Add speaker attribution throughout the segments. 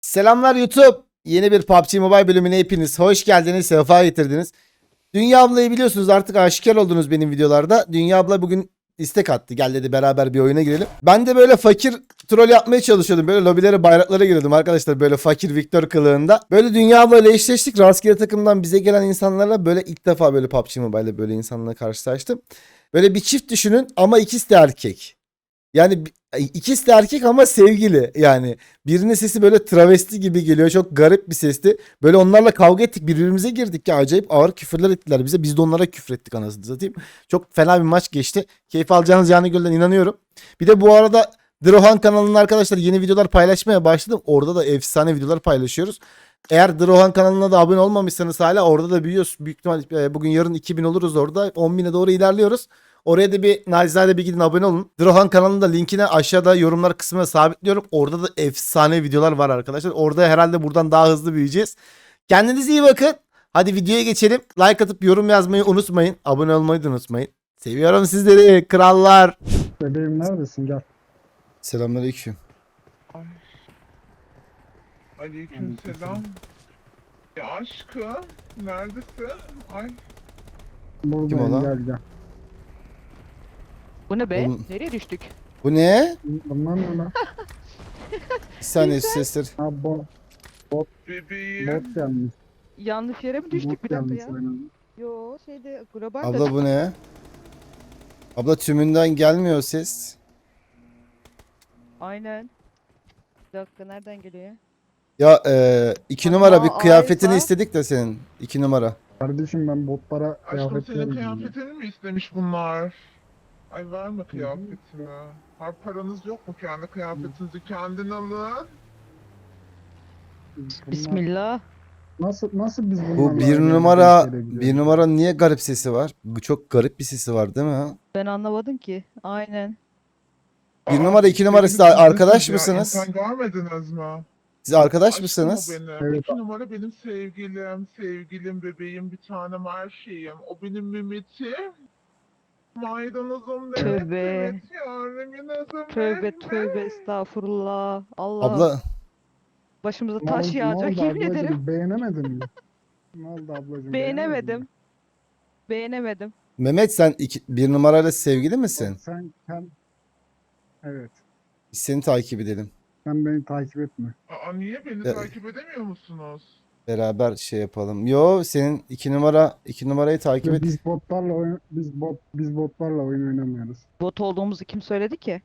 Speaker 1: Selamlar YouTube. Yeni bir PUBG Mobile bölümüne hepiniz hoş geldiniz, sefa getirdiniz. Dünya ablayı biliyorsunuz, artık aşikar oldunuz benim videolarda. Dünya abla bugün istek attı. Gel dedi, beraber bir oyuna girelim. Ben de böyle fakir troll yapmaya çalışıyordum. Böyle lobilere, bayraklara giriyordum arkadaşlar. Böyle fakir Victor kılığında. Böyle Dünya abla ile eşleştik. Rastgele takımdan bize gelen insanlarla böyle ilk defa böyle PUBG Mobile'de böyle insanlarla karşılaştım. Böyle bir çift düşünün ama ikisi de erkek. Yani ikisi de erkek ama sevgili. Yani birinin sesi böyle travesti gibi geliyor. Çok garip bir sesti. Böyle onlarla kavga ettik. Birbirimize girdik ya. Acayip ağır küfürler ettiler bize. Biz de onlara küfür ettik, anasını satayım. Çok fena bir maç geçti. Keyif alacağınız canı gölden inanıyorum. Bir de bu arada Drohan kanalında arkadaşlar yeni videolar paylaşmaya başladım. Orada da efsane videolar paylaşıyoruz. Eğer Drohan kanalına da abone olmamışsanız hala orada da büyüyoruz. Büyük ihtimal bugün yarın 2000 oluruz orada. 10.000'e doğru ilerliyoruz. Oraya da bir nacizane bir gidin, abone olun. Drohan kanalının da linkini aşağıda yorumlar kısmına sabitliyorum. Orada da efsane videolar var arkadaşlar. Orada herhalde buradan daha hızlı büyüyeceğiz. Kendinize iyi bakın. Hadi videoya geçelim. Like atıp yorum yazmayı unutmayın. Abone olmayı da unutmayın. Seviyorum sizleri krallar.
Speaker 2: Bebeğim neredesin? Gel.
Speaker 1: Selamünaleyküm.
Speaker 3: Ay. Aleykümselam. Ya aşkım, neredesin? Ay,
Speaker 2: Buradayım,
Speaker 1: o lan?
Speaker 2: gel gel.
Speaker 4: Bu ne be?
Speaker 1: Oğlum.
Speaker 4: Nereye düştük?
Speaker 1: Bu ne?
Speaker 2: Bunlar ne lan?
Speaker 1: Bir saniye sesler.
Speaker 2: Ha
Speaker 3: bebeğim.
Speaker 2: bot gelmiş.
Speaker 4: Yanlış yere mi düştük
Speaker 2: Bot
Speaker 4: bir dakika
Speaker 2: gelmiş
Speaker 4: ya?
Speaker 2: aynen.
Speaker 4: Yo şeyde global
Speaker 1: Abla bu ne? Abla tümünden gelmiyor ses.
Speaker 4: Aynen. Bir dakika nereden geliyor ya?
Speaker 1: Ya 2
Speaker 4: Ama
Speaker 1: numara bir kıyafetini
Speaker 4: Ayfa-
Speaker 1: istedik de senin. 2 numara.
Speaker 2: Kardeşim ben botlara
Speaker 3: Aşkım
Speaker 2: kıyafet
Speaker 3: senin
Speaker 2: vermiyorum.
Speaker 3: kıyafetini mi istemiş bunlar? Ay verme kıyafetini. Ha, paranız yok mu? Kendi kıyafetinizi kendin alın.
Speaker 2: Bunlar-
Speaker 4: Bismillah.
Speaker 2: Nasıl biz bunlarla
Speaker 1: Bu bir
Speaker 2: aynı
Speaker 1: numara,
Speaker 2: yere gidiyoruz?
Speaker 1: bir numara niye garip sesi var? Bu çok garip bir sesi var değil mi?
Speaker 4: Ben anlamadım ki. Aynen.
Speaker 1: Bir
Speaker 3: Aa,
Speaker 1: numara, iki numara, siz
Speaker 3: sevgili
Speaker 1: arkadaş
Speaker 3: misiniz ya?
Speaker 1: mısınız?
Speaker 3: İnsan görmediniz mi?
Speaker 1: Siz arkadaş
Speaker 3: Aşkım
Speaker 1: mısınız?
Speaker 3: o benim.
Speaker 2: Evet.
Speaker 3: 2 numara benim sevgilim, bebeğim, bir tanem, her şeyim. O benim Mehmet'im. Maydanozum demek,
Speaker 4: Tövbe.
Speaker 3: evet yavrum, yazım
Speaker 4: Tövbe
Speaker 3: benim.
Speaker 4: tövbe estağfurullah. Allah
Speaker 1: Abla
Speaker 4: başımıza
Speaker 2: Ne
Speaker 4: taş
Speaker 2: oldu,
Speaker 4: yağacak
Speaker 2: ne oldu
Speaker 4: yemin ederim.
Speaker 2: ablacığım? Beğenemedin mi? Ne oldu ablacığım?
Speaker 4: Beğenemedim. Beğenemedim.
Speaker 1: Mehmet, sen bir numarayla sevgili misin?
Speaker 2: Sen evet.
Speaker 1: Biz seni takip edelim.
Speaker 2: Sen beni takip etme.
Speaker 3: Aa, niye beni
Speaker 1: Ya-
Speaker 3: takip edemiyor musunuz?
Speaker 1: Beraber şey yapalım. Yo, senin 2 numarayı takip et.
Speaker 2: Biz botlarla oyun oynamıyoruz.
Speaker 4: Bot olduğumuzu kim söyledi ki?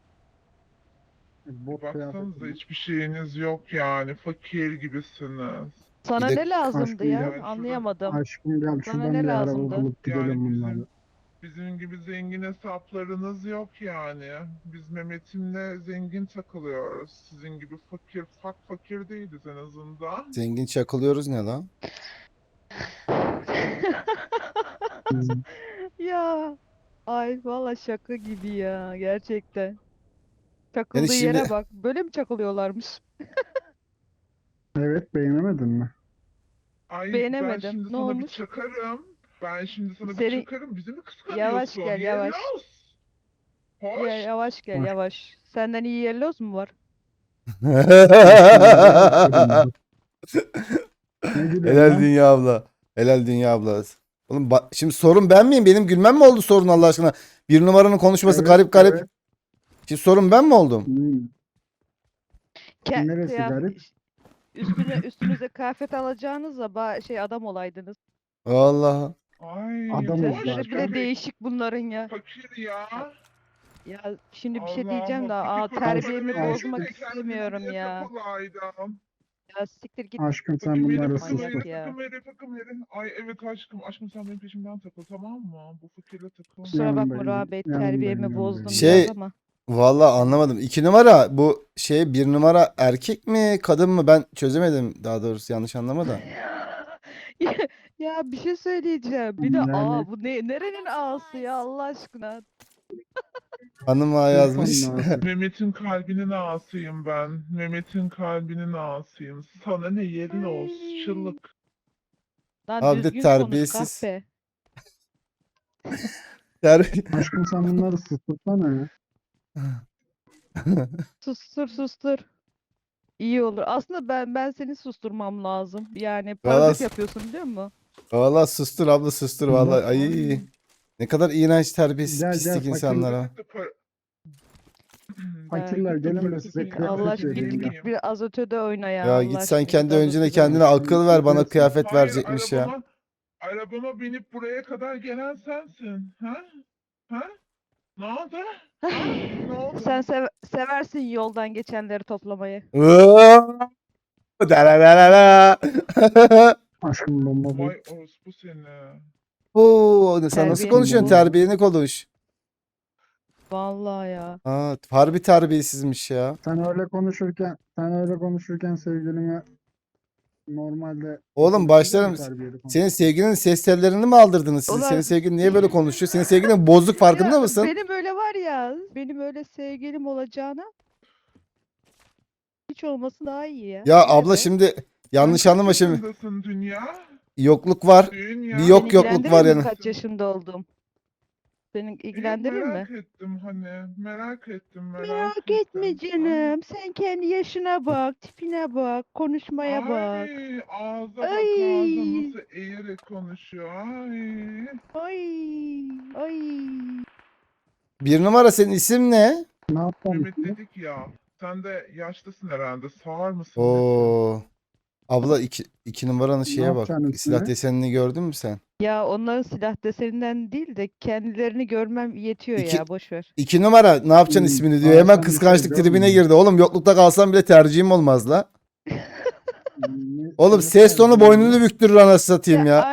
Speaker 2: Bot
Speaker 3: Baksanıza
Speaker 2: kıyafeti.
Speaker 3: hiçbir şeyiniz yok yani. Fakir gibisiniz.
Speaker 4: Sana
Speaker 1: Bir de-
Speaker 4: ne lazımdı
Speaker 2: Aşkım
Speaker 4: ya?
Speaker 3: gel.
Speaker 4: Anlayamadım.
Speaker 2: Aşkım gel
Speaker 4: Sana
Speaker 2: şuradan
Speaker 4: ne
Speaker 2: bir araba
Speaker 4: lazımdı?
Speaker 2: bulup gidelim
Speaker 3: Yani
Speaker 2: bunlarla.
Speaker 3: bizim gibi zengin hesaplarınız yok yani. Biz Mehmet'imle zengin takılıyoruz. Sizin gibi fakir değiliz en azından.
Speaker 1: Zengin çakılıyoruz ne lan?
Speaker 2: Biz-
Speaker 4: Ya ay valla şaka gibi ya gerçekten. Çakıldığı
Speaker 1: Yani şimdi
Speaker 4: yere bak. Böyle mi çakılıyorlarmış?
Speaker 2: Evet, beğenemedin mi?
Speaker 3: Ay ben
Speaker 4: Beğenemedim.
Speaker 3: şimdi
Speaker 4: Ne
Speaker 3: sana bir
Speaker 4: olmuş?
Speaker 3: çakarım. Ben şimdi sana bir
Speaker 4: Seni
Speaker 3: çakarım. Bizi mi kıskanıyorsun?
Speaker 4: yavaş gel yavaş.
Speaker 3: Yelloz.
Speaker 4: Ya,
Speaker 3: Hoş.
Speaker 4: yavaş gel
Speaker 2: Hoş.
Speaker 4: yavaş. Senden iyi yelloz mu var?
Speaker 2: Ne gülüyorsun
Speaker 1: Helal
Speaker 2: lan?
Speaker 1: Dünya abla. Helal Dünya abla. Oğlum şimdi sorun ben miyim? Benim gülmem mi oldu sorun Allah aşkına? Bir numaranın konuşması
Speaker 2: Evet,
Speaker 1: garip garip.
Speaker 2: evet.
Speaker 1: Şimdi sorun ben mi oldum?
Speaker 2: Hmm. Neresi
Speaker 4: Kıyafet
Speaker 2: garip?
Speaker 4: üstünüze kıyafet alacağınızla şey adam olaydınız.
Speaker 1: Allah.
Speaker 3: Ay
Speaker 2: Adamız
Speaker 3: hoş.
Speaker 4: Sesleri bile
Speaker 3: Bebek
Speaker 4: değişik bunların ya.
Speaker 3: fakir ya.
Speaker 4: Ya şimdi bir şey
Speaker 3: Allah'ım,
Speaker 4: diyeceğim de
Speaker 3: fakir
Speaker 4: terbiyemi
Speaker 3: kocaman
Speaker 4: bozmak
Speaker 3: erkek de
Speaker 4: istemiyorum
Speaker 3: kendini
Speaker 4: ya.
Speaker 3: takılaydım.
Speaker 4: Ya siktir git.
Speaker 2: Aşkım sen
Speaker 3: Fakir
Speaker 2: bunları
Speaker 3: veri,
Speaker 2: sus.
Speaker 4: Manyak
Speaker 3: fakir
Speaker 4: ya.
Speaker 3: veri, fakir veri. Ay evet aşkım, aşkım sen benim peşimden takıl, tamam mı? Bu fakirle takıl.
Speaker 4: Kusura bakma
Speaker 2: Yanındayım,
Speaker 4: Ra Bey
Speaker 2: yanındayım,
Speaker 4: terbiyemi bozdum
Speaker 2: yanındayım.
Speaker 1: Şey-
Speaker 4: biraz ama.
Speaker 1: Vallahi anlamadım. 2 numara bu şey, bir numara erkek mi kadın mı, ben çözemedim, daha doğrusu yanlış anlama da.
Speaker 4: Ya, ya bir şey söyleyeceğim. Bir de
Speaker 2: Yani-
Speaker 4: bu nerenin ağası ya Allah aşkına.
Speaker 1: Hanım ağa yazmış.
Speaker 2: Lütfen Nazlı.
Speaker 3: Mehmet'in kalbinin ağasıyım ben. Mehmet'in kalbinin ağasıyım. Sana ne yelloz, şıllık.
Speaker 4: Lan
Speaker 1: Abi de
Speaker 4: düzgün konuş
Speaker 1: terbiyesiz.
Speaker 4: kahpe.
Speaker 2: Aşkım sen bunları sustursana ya.
Speaker 4: Sustur sustur. İyi olur. Aslında ben seni susturmam lazım. Yani
Speaker 1: Valla,
Speaker 4: parazit yapıyorsun biliyor musun?
Speaker 1: valla sustur abla sustur valla. Ay
Speaker 3: Ay,
Speaker 1: ne kadar iğrenç terbiyesiz
Speaker 2: Gel,
Speaker 1: pislik
Speaker 2: fakir.
Speaker 1: insanlara.
Speaker 3: gidip de para...
Speaker 2: Fakirler
Speaker 3: Gidip de
Speaker 2: gelin de size
Speaker 3: parasını
Speaker 2: kıyafet
Speaker 4: Allah aşkına
Speaker 2: vereyim
Speaker 4: git
Speaker 2: ya.
Speaker 4: git bir azotede oyna ya
Speaker 1: Ya
Speaker 4: Allah
Speaker 1: git sen
Speaker 4: aşkına
Speaker 1: kendi
Speaker 4: git
Speaker 1: öncüne
Speaker 4: azotede
Speaker 1: kendine
Speaker 4: oyna.
Speaker 1: akıl ver, bana kıyafet
Speaker 3: Hayır,
Speaker 1: verecekmiş ya.
Speaker 3: arabama binip buraya kadar gelen sensin. Ha? Ha? Ne oldu? Ha? Ne oldu?
Speaker 4: Sen seversin yoldan geçenleri toplamayı.
Speaker 1: Dararara.
Speaker 2: Aşkım bomba bu.
Speaker 3: Vay orospu seni.
Speaker 1: Oo, sen nasıl
Speaker 4: Terbiyesiz
Speaker 1: konuşuyorsun?
Speaker 4: bu.
Speaker 1: Terbiyeni konuş.
Speaker 4: Vallahi ya.
Speaker 1: Aa, harbi terbiyesizmiş ya.
Speaker 2: Sen öyle konuşurken sevgilime normalde
Speaker 1: Oğlum
Speaker 2: bir
Speaker 1: başlarım.
Speaker 2: terbiyeli konuş.
Speaker 1: Senin sevgilinin ses tellerini mi aldırdınız siz?
Speaker 4: Ulan-
Speaker 1: Senin sevgilin niye böyle konuşuyor? Senin sevgilin bozuk farkında
Speaker 4: Ya
Speaker 1: mısın?
Speaker 4: benim öyle var ya. Benim öyle sevgilim olacağına hiç olması daha iyi ya.
Speaker 1: Ya
Speaker 4: Niye
Speaker 1: abla
Speaker 4: be?
Speaker 1: şimdi yanlış
Speaker 3: Sen kaç
Speaker 1: anlama şimdi.
Speaker 3: yaşındasın dünya?
Speaker 1: Yokluk var.
Speaker 3: Dünya.
Speaker 1: Bir yok
Speaker 4: Seni
Speaker 1: yokluk var
Speaker 4: ilgilendirir mi
Speaker 1: yani.
Speaker 4: kaç yaşında oldum? Seni ilgilendirir mi?
Speaker 3: Merak ettim hani. Merak ettim.
Speaker 4: Merak etme canım. Sen kendi yaşına bak, tipine bak, konuşmaya bak.
Speaker 3: Ay ağza bak
Speaker 4: Ay.
Speaker 3: ağza nasıl eğerek konuşuyor. Ay.
Speaker 4: Ay, ay.
Speaker 1: Bir numara senin isim ne?
Speaker 2: Ne yapalım?
Speaker 3: Mehmet dedik ya. Sen de yaşlısın herhalde. Sağır mısın? nesin?
Speaker 1: Oo. Abla iki numaranın şeye bak.
Speaker 2: yapacaksın
Speaker 1: Silah
Speaker 2: üstüne?
Speaker 1: desenini gördün mü sen?
Speaker 4: Ya onların silah deseninden değil de kendilerini görmem yetiyor
Speaker 1: İki-
Speaker 4: ya boş ver.
Speaker 1: 2 numara ne yapacaksın
Speaker 2: Hmm,
Speaker 1: ismini diyor.
Speaker 2: aa,
Speaker 1: Hemen
Speaker 2: sen bir
Speaker 1: kıskançlık
Speaker 2: şey
Speaker 1: tribine
Speaker 2: görmedin.
Speaker 1: girdi. Oğlum yoklukta kalsam bile tercihim olmaz la. Oğlum
Speaker 2: Ne
Speaker 1: ses tonu
Speaker 2: tercih
Speaker 1: boynunu
Speaker 2: ediyor?
Speaker 1: büktürür anasını satayım ya.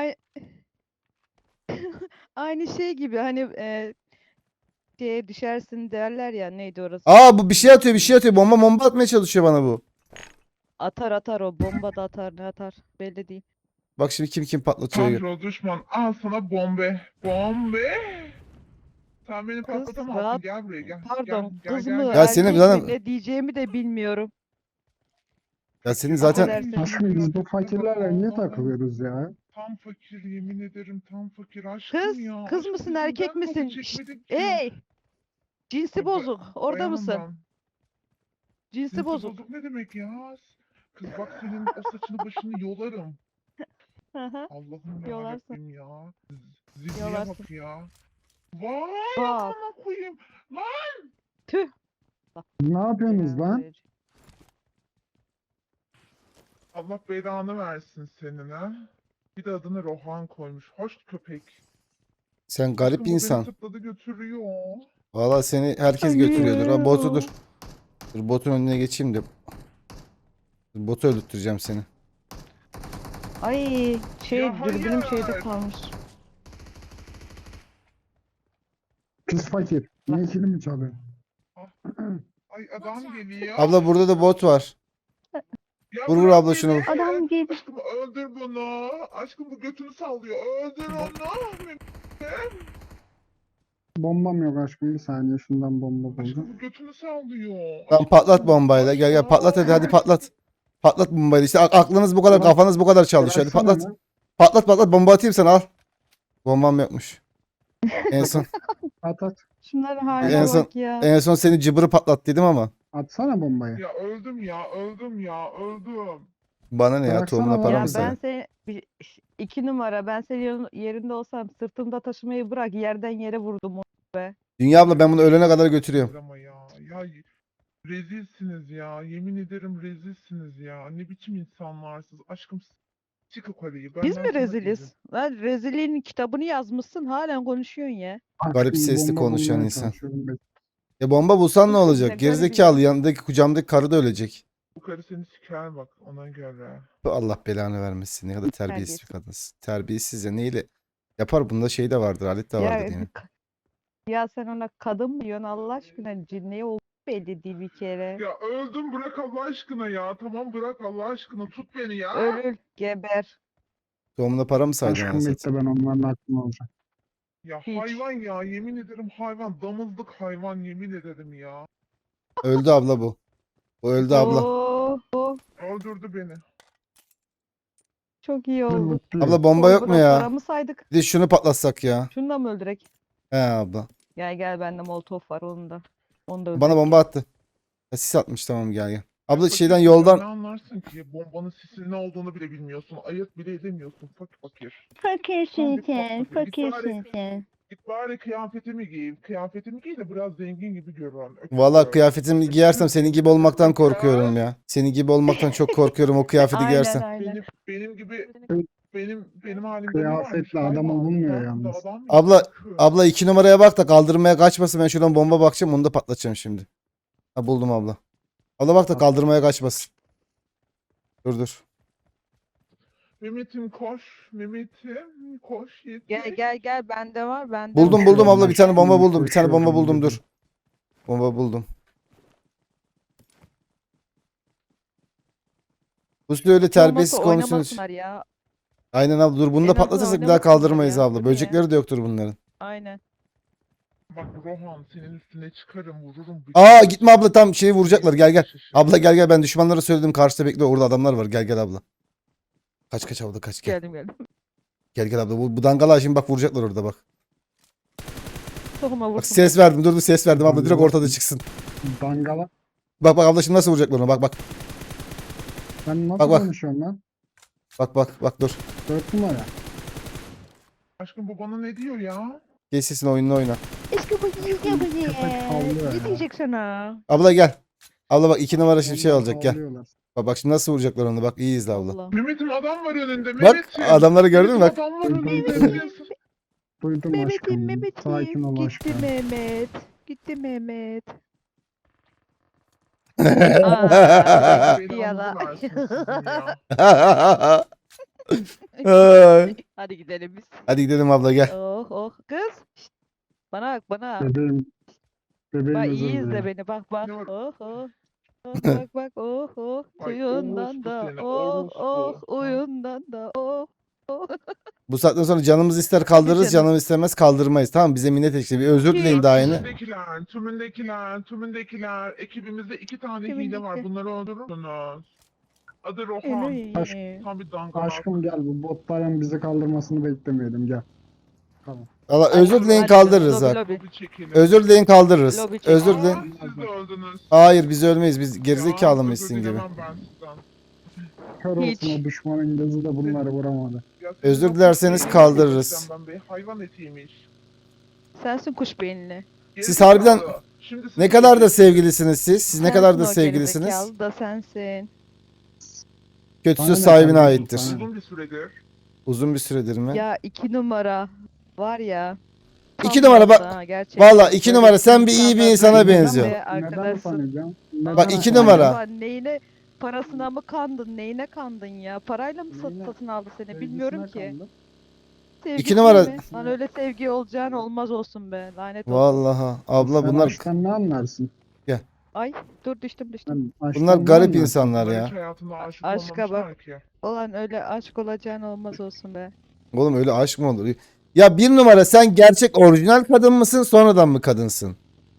Speaker 4: Aynı şey gibi hani şeye düşersin derler ya neydi orası?
Speaker 1: Aa bu bir şey atıyor bir şey atıyor. Bomba atmaya çalışıyor bana bu.
Speaker 4: Atar o bomba da atar ne atar belli değil.
Speaker 1: Bak şimdi kim patlatıyor.
Speaker 3: Kontrol düşman al sana bombe. Bombe. Sen beni
Speaker 4: Kız,
Speaker 3: patlatamazsın.
Speaker 4: rahat-
Speaker 3: Gel buraya gel.
Speaker 4: Pardon
Speaker 3: Gel,
Speaker 4: kız
Speaker 3: gel,
Speaker 4: mı
Speaker 3: gel.
Speaker 1: Ya senin
Speaker 4: erkek
Speaker 1: zaten-
Speaker 4: mi ne diyeceğimi de bilmiyorum.
Speaker 1: Ya senin zaten
Speaker 4: Affedersin.
Speaker 2: Aşkım biz bu
Speaker 3: Ya,
Speaker 2: fakirlerle niye
Speaker 3: Allah'ım.
Speaker 2: takılıyoruz ya?
Speaker 3: Tam fakir yemin ederim tam fakir aşkım
Speaker 4: Kız,
Speaker 3: ya.
Speaker 4: kız
Speaker 3: Aşkım
Speaker 4: mısın
Speaker 3: biz
Speaker 4: erkek
Speaker 3: neden kafa
Speaker 4: misin? Şşt,
Speaker 3: çekmedik ki?
Speaker 4: hey! Cinsi
Speaker 3: Ya,
Speaker 4: bozuk. Orada
Speaker 3: bayanım
Speaker 4: mısın?
Speaker 3: ben.
Speaker 4: Cinsi
Speaker 3: Cinsi
Speaker 4: bozuk.
Speaker 3: bozuk ne demek ya? Kız bak senin o saçını başını yolarım.
Speaker 4: Hı hı.
Speaker 3: Allah'ım
Speaker 4: Yolarsın.
Speaker 3: yarabbim ya. Zilliye
Speaker 4: Yolarsın.
Speaker 3: bak ya. Vay
Speaker 4: Bak.
Speaker 3: amına koyayım. Lan.
Speaker 4: Tüh.
Speaker 2: Ne yapıyorsunuz lan?
Speaker 3: Allah belanı versin senin ha. Bir de adını Rohan koymuş. Hoş köpek.
Speaker 1: sen garip
Speaker 3: Aşkım bu beni
Speaker 1: insan.
Speaker 3: sırtladı götürüyor.
Speaker 1: Valla seni herkes götürüyordur. Ha botu dur. Dur botun önüne geçeyim de. Dur, botu öldürteceğim seni.
Speaker 4: Ay şey
Speaker 3: Ya
Speaker 4: dürbünüm
Speaker 3: hayır.
Speaker 4: şeyde kalmış.
Speaker 2: Pis fakir. Ne ikili mi çalıyor?
Speaker 3: Ay adam geliyor.
Speaker 1: Abla burada da bot var.
Speaker 3: Ya
Speaker 1: vur
Speaker 3: bırak
Speaker 1: abla şunu
Speaker 3: beni.
Speaker 1: vur.
Speaker 4: Adam geliyor.
Speaker 3: Aşkım öldür bunu. Aşkım bu götünü sallıyor. Öldür onu.
Speaker 2: Bombam yok aşkım. Bir saniye şundan bomba buldum.
Speaker 3: Aşkım bu götünü sallıyor.
Speaker 1: Tamam patlat
Speaker 3: Aşkım,
Speaker 1: bombayla. Gel
Speaker 3: aşkım.
Speaker 1: patlat hadi patlat. Patlat bombayla. İşte aklınız bu kadar,
Speaker 2: Tamam.
Speaker 1: kafanız bu kadar çalışıyor. Hadi
Speaker 2: Bıraksana
Speaker 1: patlat.
Speaker 2: lan.
Speaker 1: Patlat bomba atayım sana al. Bombam yokmuş. En son
Speaker 2: At.
Speaker 4: Şunların
Speaker 1: En
Speaker 4: haline
Speaker 1: son-
Speaker 4: bak ya.
Speaker 1: en son seni cıbırı patlattıydım ama.
Speaker 2: Atsana bombayı.
Speaker 3: Ya öldüm ya öldüm.
Speaker 1: Bana ne ya
Speaker 2: Bıraksana
Speaker 1: tohumuna
Speaker 2: lan.
Speaker 1: para
Speaker 4: Ya
Speaker 1: mı
Speaker 2: Paramı
Speaker 4: ben
Speaker 1: sana?
Speaker 4: seni 2 numara ben senin yerinde olsam sırtımda taşımayı bırak yerden yere vurdum onu be.
Speaker 1: Dünya abla ben bunu ölene kadar götürüyorum.
Speaker 3: Ama ya rezilsiniz ya. Yemin ederim rezilsiniz ya. Ne biçim insanlarsınız. Aşkım çık yukarıyı.
Speaker 4: Biz
Speaker 3: Benden
Speaker 4: mi
Speaker 3: sana
Speaker 4: reziliz?
Speaker 3: izin.
Speaker 4: Lan rezilliğin kitabını yazmışsın halen konuşuyorsun ya.
Speaker 1: Garip
Speaker 2: Aşkım,
Speaker 1: sesli
Speaker 2: bomba
Speaker 1: konuşan
Speaker 2: bulmaya
Speaker 1: insan.
Speaker 2: çalışıyorum ben.
Speaker 1: Bomba bulsan ne
Speaker 4: Kız
Speaker 1: olacak?
Speaker 4: garip
Speaker 1: Gerizekalı yanındaki kucağımdaki karı da ölecek.
Speaker 3: Bu karı seni siker bak ona göre.
Speaker 1: Allah belanı vermesin. Ne kadar terbiyesiz
Speaker 4: Terbiyesiz.
Speaker 1: bir kadınsın. Terbiyesiz ya neyle yapar bunda şey de vardır, alet de vardır
Speaker 4: Ya,
Speaker 1: yani.
Speaker 4: ya sen ona kadın mı diyorsun Allah aşkına cinliği olduğu belli değil bir kere.
Speaker 3: Ya öldüm bırak Allah aşkına ya. Tamam bırak Allah aşkına tut beni ya.
Speaker 4: Öl geber.
Speaker 1: Doğumuna para mı saydın
Speaker 2: Aşkım
Speaker 1: anasını
Speaker 2: bekle
Speaker 1: satayım?
Speaker 2: ben onların aklını alacağım.
Speaker 3: Ya
Speaker 4: Hiç.
Speaker 3: hayvan ya yemin ederim hayvan. Damızlık hayvan yemin ederim ya.
Speaker 1: Öldü abla bu. Bu öldü abla.
Speaker 4: Oo,
Speaker 3: Öldürdü beni.
Speaker 4: çok iyi
Speaker 2: Ben
Speaker 4: oldu.
Speaker 2: mutluyum.
Speaker 1: Abla bomba yok mu
Speaker 4: Bırak
Speaker 1: ya?
Speaker 4: paramı saydık.
Speaker 1: Bir de şunu patlatsak ya.
Speaker 4: Şunu da mı öldürek?
Speaker 1: He abla.
Speaker 4: Gel bende molotof var onun da. Onu da
Speaker 1: Bana
Speaker 4: öldürek.
Speaker 1: bomba attı. Ya sis atmış tamam gel. Abla
Speaker 3: Fakir
Speaker 1: şeyden
Speaker 3: sen
Speaker 1: yoldan
Speaker 3: Ne anlarsın ki? Bombanın sisinin ne olduğunu bile bilmiyorsun. Ayırt bile edemiyorsun. Fakir.
Speaker 4: Fakirsin
Speaker 3: Tam bir
Speaker 4: sen,
Speaker 3: fakir.
Speaker 4: fakirsin sen.
Speaker 3: Git bari kıyafetimi giy. Kıyafetimi giy de biraz zengin gibi görün.
Speaker 1: valla
Speaker 3: Öküz.
Speaker 1: kıyafetimi giyersem senin gibi olmaktan korkuyorum
Speaker 3: Öküz.
Speaker 1: ya. Senin gibi olmaktan çok korkuyorum o kıyafeti
Speaker 4: Aynen
Speaker 1: giyersem.
Speaker 4: aynen.
Speaker 3: Benim gibi benim halimde ne varmış?
Speaker 2: Kıyafetle adam
Speaker 3: Hayvan.
Speaker 2: olunmuyor
Speaker 3: Sen de
Speaker 2: yalnız.
Speaker 3: adam mısın?
Speaker 1: Abla
Speaker 3: Öküz.
Speaker 1: abla 2 numaraya bak da kaldırmaya kaçmasın. Ben şuradan bomba bakacağım onu da patlatacağım şimdi. Ha buldum abla. Abla bak da kaldırmaya kaçmasın. Dur.
Speaker 3: Mehmet'im koş. Mehmet'im koş.
Speaker 4: Gel gel gel bende var bende
Speaker 1: Buldum
Speaker 4: var.
Speaker 1: buldum abla bir tane bomba
Speaker 2: Şimdi
Speaker 1: buldum. Bir tane bomba
Speaker 2: koşuyorum
Speaker 1: buldum
Speaker 2: dedim.
Speaker 1: dur. Bomba buldum. Bu öyle
Speaker 4: Hiç olmazsa
Speaker 1: terbiyesiz konuşuyoruz.
Speaker 4: oynamasınlar ya.
Speaker 1: Aynen abla dur bunu da
Speaker 4: En azından
Speaker 1: patlatırsak bir daha
Speaker 4: oynamasınlar
Speaker 1: kaldırmayız
Speaker 4: ya,
Speaker 1: abla.
Speaker 4: değil mi ya?
Speaker 1: Böcekleri de yoktur bunların.
Speaker 4: Aynen.
Speaker 3: Bak Rohan senin üstüne çıkarım vururum.
Speaker 1: Aa gitme abla tam şeyi vuracaklar gel. Abla gel ben düşmanlara söyledim karşıda bekliyor orada adamlar var gel abla. Kaç abla kaç gel.
Speaker 4: Geldim.
Speaker 1: Gel abla bu dangala şimdi bak vuracaklar orada bak.
Speaker 4: Tohuma vurdum.
Speaker 1: Bak ses verdim dur ses verdim abla direkt ortada çıksın.
Speaker 2: Dangala.
Speaker 1: Bak abla şimdi nasıl vuracaklar onu bak.
Speaker 2: Sen nasıl
Speaker 1: Bak.
Speaker 2: konuşuyorsun lan?
Speaker 1: Bak dur.
Speaker 2: 4 numara.
Speaker 3: Aşkım bu bana ne diyor ya?
Speaker 1: Geç sesini oyununu oyna.
Speaker 4: Eski bu
Speaker 2: Köpek havlıyor
Speaker 4: Ne
Speaker 2: ya.
Speaker 4: diyecek sana?
Speaker 1: Abla gel. Abla bak 2 numara şimdi şey
Speaker 2: Onlar
Speaker 1: olacak gel.
Speaker 2: havlıyorlar.
Speaker 1: Bak şimdi nasıl vuracaklar onu bak iyi izle abla.
Speaker 4: Allah.
Speaker 3: Mehmet'im adam var önünde.
Speaker 1: Bak
Speaker 3: Mehmet'im.
Speaker 1: adamları gördün mü bak.
Speaker 3: Adam var önünde.
Speaker 2: Duydum aşkım. Sakin ol
Speaker 4: Gitti
Speaker 2: aşkım.
Speaker 4: Mehmet. Gitti Mehmet.
Speaker 3: Belanızı versin sizin ya.
Speaker 1: Ay.
Speaker 4: Hadi gidelim biz.
Speaker 1: Hadi gidelim abla gel.
Speaker 4: Oh kız. Şşt. Bana bak bana.
Speaker 2: Bebeğim. Bebeğim
Speaker 4: Bak
Speaker 2: özür
Speaker 4: iyi izle
Speaker 2: dilerim.
Speaker 4: beni bak.
Speaker 3: Ne var?
Speaker 4: Bak
Speaker 3: Ay,
Speaker 4: suyundan da
Speaker 3: orospu seni, orospu.
Speaker 4: oyundan da
Speaker 1: Bu saatten sonra canımız ister kaldırırız,
Speaker 4: Canım.
Speaker 1: canımız istemez kaldırmayız. Tamam bize minnet ekşi. Bir özür
Speaker 4: Ki-
Speaker 1: dileyin daha yeni.
Speaker 3: Tümündekiler. Ekibimizde 2 tane hile
Speaker 4: Tümündeki.
Speaker 3: var. Bunları öldürürsünüz. Adı Rohan. Tam bir dangalak.
Speaker 2: Aşkım gel bu botların bizi kaldırmasını beklemeyelim gel. Tamam.
Speaker 1: Valla özür dileyin
Speaker 4: Hadi,
Speaker 1: kaldırırız
Speaker 4: lobi,
Speaker 1: bak.
Speaker 4: lobi.
Speaker 3: Bir çekelim.
Speaker 1: Özür dileyin kaldırırız.
Speaker 4: Lobi çekin.
Speaker 1: Özür
Speaker 3: Aa,
Speaker 1: dileyin.
Speaker 3: siz de öldünüz.
Speaker 1: Hayır biz ölmeyiz. Biz gerizekalı mıyız
Speaker 3: Özür
Speaker 1: sizin gibi?
Speaker 3: dilemem ben sizden.
Speaker 2: Kör olsun
Speaker 4: Hiç.
Speaker 2: o düşmanın gözü de bunları vuramadı.
Speaker 3: Ya
Speaker 1: Özür
Speaker 3: sizin
Speaker 1: dilerseniz
Speaker 3: o
Speaker 1: kaldırırız.
Speaker 3: kuş beyni hayvan etiymiş.
Speaker 4: Sensin kuş beyinli.
Speaker 1: Siz harbiden
Speaker 3: Gerizekalı. Şimdi siz
Speaker 1: Ne kadar da sevgilisiniz siz? Siz ne kadar da
Speaker 4: Sensin o
Speaker 1: sevgilisiniz?
Speaker 4: gerizekalı da sensin.
Speaker 1: Kötüsü
Speaker 2: Bana ne
Speaker 1: sahibine
Speaker 2: kardeşim,
Speaker 1: aittir.
Speaker 2: sana ne?
Speaker 3: uzun bir süredir.
Speaker 1: Uzun bir süredir mi?
Speaker 4: Ya 2 numara var ya.
Speaker 1: 2 numara bak.
Speaker 4: tam olsa gerçekten.
Speaker 1: Valla 2
Speaker 4: Böyle
Speaker 1: numara sen bir iyi bir insana
Speaker 4: insanlardan
Speaker 1: benziyor.
Speaker 4: ve
Speaker 2: Neden
Speaker 4: arkadaşsın.
Speaker 2: utanacağım?
Speaker 1: Bak,
Speaker 2: Neden
Speaker 1: 2
Speaker 2: utanacağım?
Speaker 1: numara.
Speaker 4: Acaba neyine parasına mı kandın? Neyine kandın ya? Parayla mı
Speaker 2: Neyine?
Speaker 4: satın aldı seni?
Speaker 2: Sevgisine
Speaker 4: Bilmiyorum ki.
Speaker 2: kandım.
Speaker 1: İki
Speaker 4: Sevgisine
Speaker 1: numara-
Speaker 4: mi? Lan öyle sevgi olacağın olmaz olsun be. Lanet olsun.
Speaker 1: Vallahi abla
Speaker 2: Sen
Speaker 1: bunlar
Speaker 2: aşktan ne anlarsın?
Speaker 4: Ay dur düştüm.
Speaker 2: Sen aşktan
Speaker 1: bunlar
Speaker 2: ne
Speaker 1: garip
Speaker 2: anlarsın?
Speaker 1: insanlar
Speaker 3: Bunlar
Speaker 1: ya.
Speaker 3: hiç hayatında aşık
Speaker 4: Aşka
Speaker 3: olmamışlar ki.
Speaker 4: Ulan öyle aşk olacağın olmaz olsun be.
Speaker 1: Oğlum öyle aşk mı olur? Ya 1 numara sen gerçek orijinal kadın mısın sonradan mı kadınsın?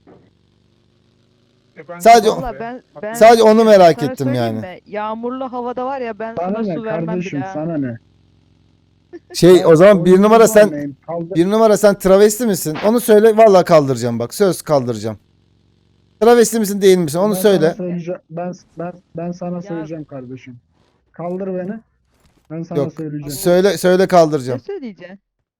Speaker 3: Ben
Speaker 1: Sadece-
Speaker 3: Rohan
Speaker 4: Valla
Speaker 3: be.
Speaker 4: ben
Speaker 1: Sadece onu merak
Speaker 4: sana
Speaker 1: ettim
Speaker 4: söyleyeyim
Speaker 1: yani.
Speaker 4: mi? Yağmurlu havada var ya ben
Speaker 2: Sana
Speaker 4: sana
Speaker 2: ne
Speaker 4: su vermem
Speaker 2: kardeşim
Speaker 4: bile. ha.
Speaker 2: sana ne?
Speaker 1: Şey o zaman 1
Speaker 2: Oyuncu
Speaker 1: numara sen
Speaker 2: olmayayım, kaldır.
Speaker 1: 1 numara sen travesti misin? Onu söyle vallahi kaldıracağım bak. Söz kaldıracağım. Travesti misin değil misin? Onu
Speaker 2: Ben
Speaker 1: söyle.
Speaker 2: sana söyleyeceğim. Ben sana
Speaker 4: Ya-
Speaker 2: söyleyeceğim kardeşim. Kaldır beni. Ben sana
Speaker 1: Yok.
Speaker 2: söyleyeceğim.
Speaker 1: Söyle
Speaker 4: Ne
Speaker 1: kaldıracağım.
Speaker 4: söyleyeceksin?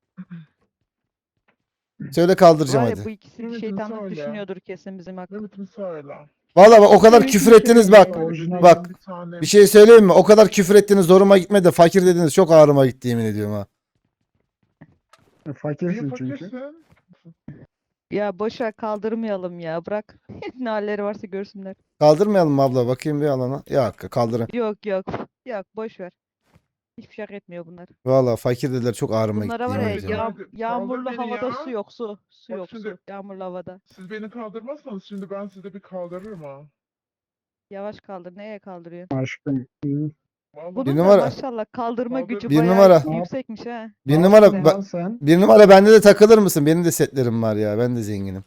Speaker 1: Söyle kaldıracağım
Speaker 4: Var ya
Speaker 1: hadi.
Speaker 4: bu ikisi
Speaker 3: Mehmet'im
Speaker 4: şeytanlık
Speaker 3: söyle.
Speaker 4: düşünüyordur kesin bizim hakkında.
Speaker 3: Mehmet'im söyle.
Speaker 1: Vallahi bak o kadar küfür ettiniz bak.
Speaker 2: Orijinal-
Speaker 1: Bak,
Speaker 3: Bir tane
Speaker 1: Bir şey söyleyeyim mi? O kadar küfür ettiniz zoruma gitmedi de fakir dediniz çok ağrıma gitti yemin ediyorum ha.
Speaker 3: Niye
Speaker 2: Fakirsin çünkü.
Speaker 3: fakirsin?
Speaker 4: Ya boşver kaldırmayalım ya bırak. Ne halleri varsa görsünler.
Speaker 1: Kaldırmayalım mı abla bakayım bir alana. Yok kaldırın.
Speaker 4: Yok boşver. Hiçbir şey hak etmiyor bunlar.
Speaker 1: Vallahi fakir dediler çok ağrıma gitti
Speaker 4: Bunlara var
Speaker 1: yemin
Speaker 4: ya
Speaker 1: ediyorum.
Speaker 3: Kaldır
Speaker 4: yağmurlu
Speaker 3: beni
Speaker 4: havada
Speaker 3: ya.
Speaker 4: su yok su. Su
Speaker 3: Bak
Speaker 4: yok
Speaker 3: şimdi-
Speaker 4: su. Yağmurlu havada.
Speaker 3: Siz beni kaldırmazsanız şimdi ben size bir kaldırırım ha.
Speaker 4: Yavaş kaldır. Neye kaldırıyorsun?
Speaker 2: Aşkım.
Speaker 3: Vallahi
Speaker 4: Bunun
Speaker 1: numara-
Speaker 4: da maşallah kaldırma
Speaker 3: Kaldır.
Speaker 4: gücü
Speaker 1: Bir
Speaker 4: bayağı
Speaker 1: numara-
Speaker 4: yüksekmiş ha.
Speaker 1: Bir
Speaker 2: Ne
Speaker 1: numara
Speaker 2: yaptın
Speaker 1: ba-
Speaker 2: lan sen?
Speaker 1: bir numara bende de takılır mısın? Benim de setlerim var ya. Ben de zenginim.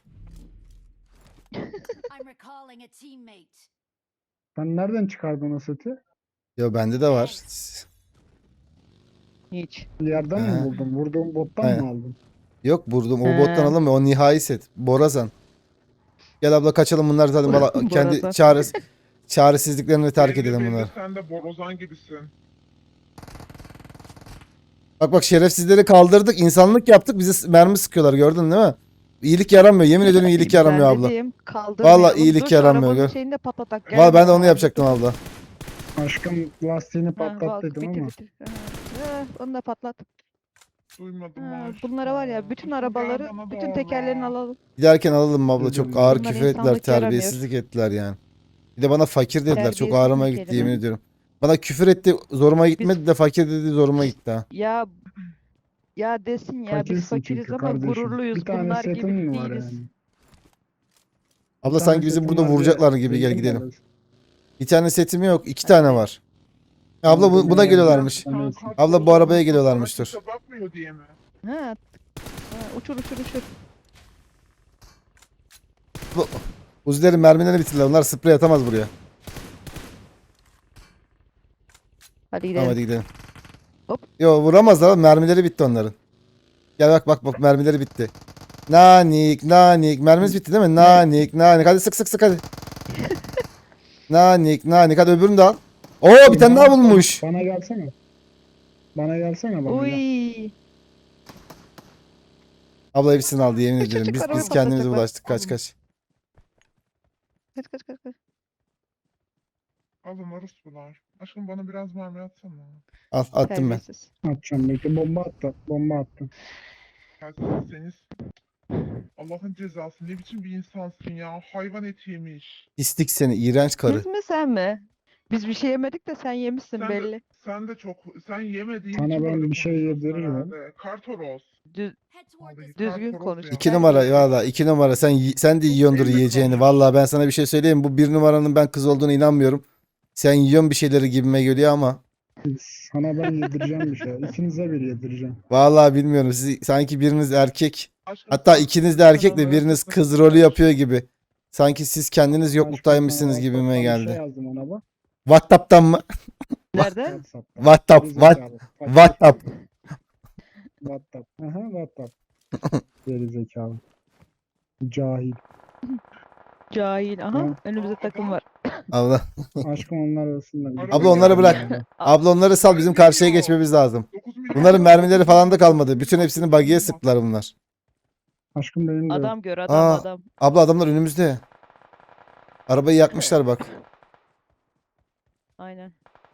Speaker 5: I'm recalling a teammate.
Speaker 2: Sen nereden çıkardın o seti?
Speaker 1: Ya bende de var.
Speaker 4: Hiç.
Speaker 2: Bir yerden
Speaker 1: He.
Speaker 2: mi buldun? Vurduğun bottan
Speaker 1: Aynen.
Speaker 2: mı aldın?
Speaker 1: Yok vurdum. O
Speaker 4: He.
Speaker 1: bottan alamıyor. O nihai set. Borazan. Gel abla kaçalım bunlar zaten valla kendi
Speaker 4: Borazan.
Speaker 1: çaresi. Çaresizliklerini terk
Speaker 3: Belli
Speaker 1: edelim
Speaker 3: belli
Speaker 1: bunları.
Speaker 3: sen de borazan gibisin.
Speaker 1: Bak şerefsizleri kaldırdık. İnsanlık yaptık. Bize mermi sıkıyorlar gördün değil mi? İyilik yaramıyor. Yemin ediyorum iyilik yaramıyor
Speaker 4: Ben
Speaker 1: abla.
Speaker 4: dediğim kaldırmayalım.
Speaker 1: Vallahi iyilik
Speaker 4: Dur şu
Speaker 1: yaramıyor,
Speaker 4: arabanın
Speaker 1: gör.
Speaker 4: şeyini de patlatak. Gel
Speaker 1: Valla ben de
Speaker 4: hemen
Speaker 1: onu
Speaker 4: abi.
Speaker 1: yapacaktım abla.
Speaker 2: Aşkım lastiğini
Speaker 4: Ha,
Speaker 2: patlat
Speaker 4: bak,
Speaker 2: dedim
Speaker 4: bitir
Speaker 2: ama.
Speaker 4: bitir. Onu da patlat.
Speaker 3: Duymadım
Speaker 4: Ha,
Speaker 3: aşkım.
Speaker 4: bunlara var ya bütün
Speaker 3: Aşkım gel
Speaker 4: arabaları,
Speaker 3: bana
Speaker 4: bütün
Speaker 3: doğru.
Speaker 4: tekerlerini alalım.
Speaker 1: Giderken alalım abla. Çok
Speaker 2: Dedim,
Speaker 1: ağır
Speaker 4: bunlar
Speaker 1: küfür ettiler.
Speaker 4: insanlık yaramıyor.
Speaker 1: Terbiyesizlik ettiler yani. Bir de bana fakir dediler. Çok
Speaker 4: Terbiyesiz
Speaker 1: ağrıma
Speaker 4: bir
Speaker 1: gitti
Speaker 4: kelime.
Speaker 1: yemin ediyorum. Bana küfür etti. Zoruma gitmedi de fakir dedi zoruma gitti ha.
Speaker 4: Ya desin ya biz
Speaker 2: Fakirsin
Speaker 4: fakiriz
Speaker 2: çünkü
Speaker 4: ama
Speaker 2: kardeşim.
Speaker 4: gururluyuz.
Speaker 2: Bir tane
Speaker 4: Bunlar gibi
Speaker 2: setin mi var
Speaker 4: değiliz.
Speaker 2: yani?
Speaker 1: Abla
Speaker 2: Bir tane
Speaker 1: sanki bizi
Speaker 2: setin
Speaker 1: burada
Speaker 2: var diye
Speaker 1: vuracaklar gibi, gel
Speaker 2: zengin mi
Speaker 1: gidelim.
Speaker 2: oluyorsun?
Speaker 1: Bir tane setim yok. 2 tane var. Ya abla
Speaker 2: Tamam,
Speaker 1: buna
Speaker 2: demeye
Speaker 1: geliyorlarmış.
Speaker 2: gerek yok.
Speaker 3: Sen
Speaker 1: Abla, bu
Speaker 3: kartı
Speaker 1: arabaya
Speaker 3: olmadan
Speaker 1: geliyorlarmıştır.
Speaker 3: sana kimse bakmıyor diye mi?
Speaker 4: Ha, uçur uçur uçur.
Speaker 1: Uzilerin mermilerini bitirdiler. Onlar sprey atamaz buraya.
Speaker 4: Hadi gidelim.
Speaker 1: Tamam hadi gidelim.
Speaker 4: Hop.
Speaker 1: Yo vuramazlar abi. Mermileri bitti onların. Gel bak mermileri bitti. Nanik nanik. Mermimiz bitti değil mi? Nanik nanik. Hadi sık sık sık hadi. Nanik nanik. Hadi öbürünü de al. Oo bir tane daha bulmuş.
Speaker 2: Bana gelsene. Bana gelsene bana gel.
Speaker 4: Uy.
Speaker 1: Abla hepsini aldı yemin
Speaker 4: Küçücük
Speaker 1: ederim. Biz
Speaker 4: araba
Speaker 1: kendimize
Speaker 4: patlatacaklar.
Speaker 1: bulaştık. Kaç kaç.
Speaker 4: Kaç kaç kaç kaç.
Speaker 3: Alın orospular. Aşkım bana biraz mermi atsana.
Speaker 1: Al attım ben.
Speaker 4: Terbiyesiz.
Speaker 2: Atacağım belki bomba attı. Bomba attı.
Speaker 3: Seniz Allah'ın cezası ne biçim bir insansın ya. Hayvan eti yemiş.
Speaker 1: İstik seni iğrenç karı.
Speaker 4: Biz mi sen mi? Biz bir şey yemedik de sen yemişsin
Speaker 3: Sen
Speaker 4: belli.
Speaker 3: de, sen yemediğin
Speaker 2: Sana
Speaker 3: için
Speaker 2: ben
Speaker 3: böyle
Speaker 2: bir şey
Speaker 3: konuşuyorsun
Speaker 2: yediririm.
Speaker 3: herhalde. Kartoros.
Speaker 4: Düz,
Speaker 5: Head toward
Speaker 3: Vallahi
Speaker 5: this
Speaker 4: Düzgün
Speaker 3: kartoros
Speaker 4: konuş.
Speaker 3: ya.
Speaker 1: 2 numara valla 2 numara sen de yiyordur
Speaker 3: Benimle
Speaker 1: yiyeceğini.
Speaker 3: konuş.
Speaker 1: Valla ben sana bir şey söyleyeyim mi? Bu 1 numaranın ben kız olduğunu inanmıyorum. Sen yiyorsun bir şeyleri gibime geliyor ama.
Speaker 2: Sana ben yedireceğim bir şey. İkinize bir yedireceğim.
Speaker 1: Valla bilmiyorum. Siz sanki biriniz erkek.
Speaker 3: Aşkım,
Speaker 1: Hatta ikiniz de erkek de
Speaker 3: Kanalları
Speaker 1: biriniz
Speaker 3: sakın
Speaker 1: kız
Speaker 3: sakın
Speaker 1: rolü
Speaker 3: aç.
Speaker 1: yapıyor gibi. Sanki siz kendiniz
Speaker 2: Aşkım,
Speaker 1: yokluktaymışsınız
Speaker 2: sana
Speaker 1: gibime
Speaker 2: WhatsApp'tan bir
Speaker 1: geldi.
Speaker 2: şey yazdım ona bak.
Speaker 1: WhatsApp'tan mı?
Speaker 4: nerede?
Speaker 2: WhatsApp'tan.
Speaker 1: WhatsApp,
Speaker 2: Gerizekalı. Fakir.
Speaker 1: WhatsApp.
Speaker 2: WhatsApp. Aha WhatsApp. Gerizekalı. Cahil.
Speaker 4: Cahil. Aha
Speaker 2: Hı.
Speaker 4: önümüzde takım var.
Speaker 1: Abla,
Speaker 2: Aşkım onlar arasında. bir
Speaker 3: Abla
Speaker 2: şey
Speaker 1: onları
Speaker 2: yok
Speaker 1: bırak.
Speaker 2: yani.
Speaker 1: abla onları sal bizim karşıya geçmemiz lazım.
Speaker 3: 9 milyon
Speaker 1: Bunların
Speaker 3: dolar
Speaker 1: mermileri falan da
Speaker 3: bakıyor.
Speaker 1: kalmadı. Bütün hepsini buggy'e sıktılar bunlar.
Speaker 2: Aşkım benim de yok.
Speaker 4: Adam gör adam
Speaker 1: Aa.
Speaker 4: adam.
Speaker 1: Abla adamlar önümüzde. Arabayı yakmışlar bak.
Speaker 4: Aynen.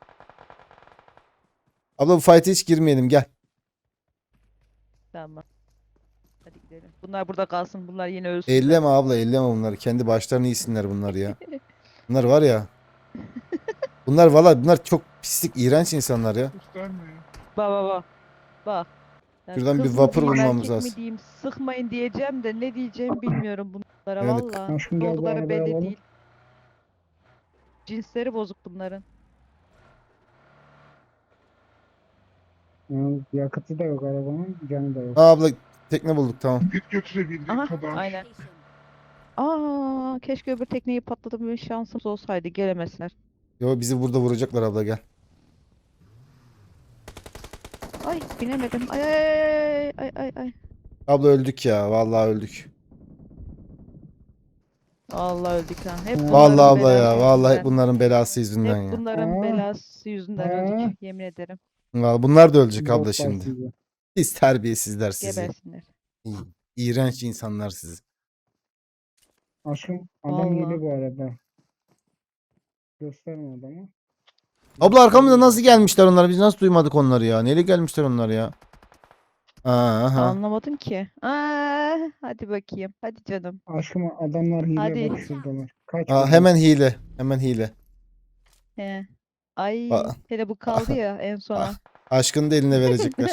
Speaker 1: Abla bu fight'e hiç girmeyelim gel.
Speaker 4: Tamam. Hadi gidelim. Bunlar burada kalsın. Bunlar yine ölsün.
Speaker 1: Elleme abla elleme bunları. Kendi başlarını yesinler bunlar ya. Bunlar var ya. Bunlar valla bunlar çok pislik iğrenç insanlar ya.
Speaker 3: Göstermeyin.
Speaker 4: Bak bak bak. Bak. Ben
Speaker 1: Şuradan bir
Speaker 4: kız mı
Speaker 1: vapur
Speaker 4: diyeyim,
Speaker 1: bulmamız
Speaker 4: erkek
Speaker 1: lazım.
Speaker 4: mi diyeyim, sıkmayın diyeceğim de ne diyeceğimi bilmiyorum bunlara
Speaker 1: Evet.
Speaker 4: valla.
Speaker 2: Aşkım
Speaker 4: Ne
Speaker 2: gel bu
Speaker 4: oldukları
Speaker 2: arabayı
Speaker 4: belli
Speaker 2: alalım.
Speaker 4: değil. Cinsleri bozuk bunların.
Speaker 2: Yani yakıtı da yok arabanın. Canı da yok.
Speaker 1: Aa, abla tekne bulduk tamam.
Speaker 3: Git götürebildiğin
Speaker 4: Aha
Speaker 3: kadar.
Speaker 4: aynen.
Speaker 5: location.
Speaker 4: Keşke öbür tekneyi patlatıp bir şansımız olsaydı gelemezler.
Speaker 1: Yo bizi burada vuracaklar abla gel.
Speaker 4: Ay binemedim. Ay ay ay ay ay.
Speaker 1: Abla öldük ya vallahi öldük.
Speaker 4: Allah öldük lan. Hep
Speaker 2: Vallahi
Speaker 4: bunların
Speaker 1: Vallahi abla ya
Speaker 4: belası
Speaker 1: vallahi hep
Speaker 4: yüzünden.
Speaker 1: bunların belası yüzünden
Speaker 4: Hep
Speaker 1: ya.
Speaker 4: bunların
Speaker 2: Aa.
Speaker 4: belası yüzünden
Speaker 2: Aa.
Speaker 4: öldük. Yemin ederim.
Speaker 1: Vallahi bunlar da ölecek abla
Speaker 2: Botlar
Speaker 1: şimdi.
Speaker 2: sizi.
Speaker 1: Siz terbiyesizler sizi.
Speaker 4: Gebersinler.
Speaker 1: İğrenç insanlar sizi.
Speaker 2: Aşkım adam
Speaker 4: Vallahi.
Speaker 2: geliyor bu arada. Gösterme adamı.
Speaker 1: Abla arkamızda nasıl gelmişler onlar? Biz nasıl duymadık onları ya? Neyle gelmişler onlar ya? Aha.
Speaker 4: Anlamadım ki. Hadi bakayım. Hadi canım.
Speaker 2: Aşkım adamlar hile
Speaker 4: Hadi.
Speaker 2: bak şuradalar. Kaç
Speaker 1: Aa,
Speaker 2: kere?
Speaker 1: hemen hile. Hemen hile.
Speaker 4: He. Ay
Speaker 1: Aa.
Speaker 4: hele bu kaldı ya en sona.
Speaker 1: Aşkını da eline verecekler.